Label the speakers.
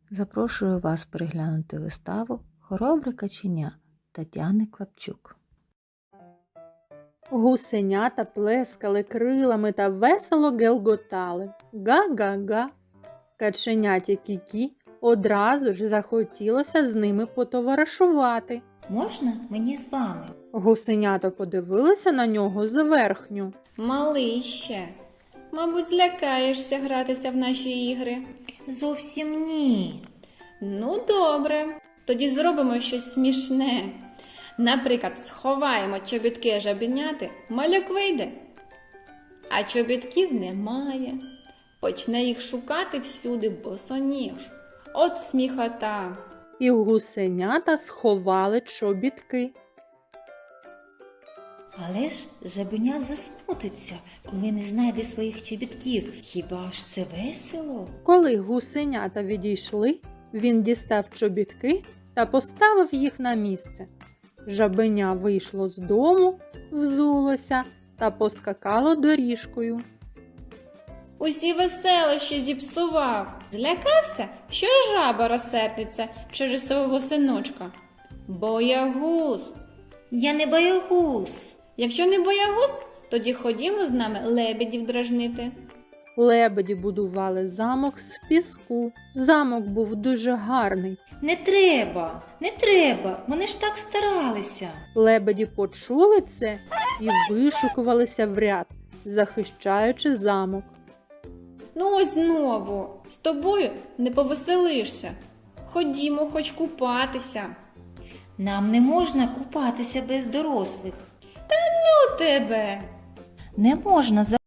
Speaker 1: Запрошую вас переглянути виставу «Хоробре каченя» Тетяни Клапчук.
Speaker 2: Гусенята плескали крилами та весело гелготали. Га-га-га. Каченяті Кікі одразу ж захотілося з ними потоваришувати.
Speaker 3: Можна мені з вами?
Speaker 2: Гусенята подивилися на нього зверхню.
Speaker 4: Малий ще. Мабуть, злякаєшся гратися в наші ігри.
Speaker 3: Зовсім ні.
Speaker 4: Ну, добре. Тоді зробимо щось смішне. Наприклад, сховаємо чобітки жабеняти, малюк вийде. А чобітків немає. Почне їх шукати всюди босоніж. От сміхота.
Speaker 2: І гусенята сховали чобітки.
Speaker 3: Але ж жабеня засмутиться, коли не знайде своїх чобітків. Хіба ж це весело?
Speaker 2: Коли гусенята відійшли, він дістав чобітки та поставив їх на місце. Жабеня вийшло з дому, взулося та поскакало доріжкою.
Speaker 4: Усі веселощі зіпсував. Злякався, що жаба розсердиться через свого синочка. Боягуз.
Speaker 3: Я не боягуз.
Speaker 4: Якщо не боягуз, тоді ходімо з нами лебедів дражнити.
Speaker 2: Лебеді будували замок з піску. Замок був дуже гарний.
Speaker 3: Не треба, не треба, вони ж так старалися.
Speaker 2: Лебеді почули це і вишукувалися в ряд, захищаючи замок.
Speaker 4: Ну ось знову, з тобою не повеселишся. Ходімо хоч купатися.
Speaker 3: Нам не можна купатися без дорослих.
Speaker 4: Ну тебе!
Speaker 3: Не можна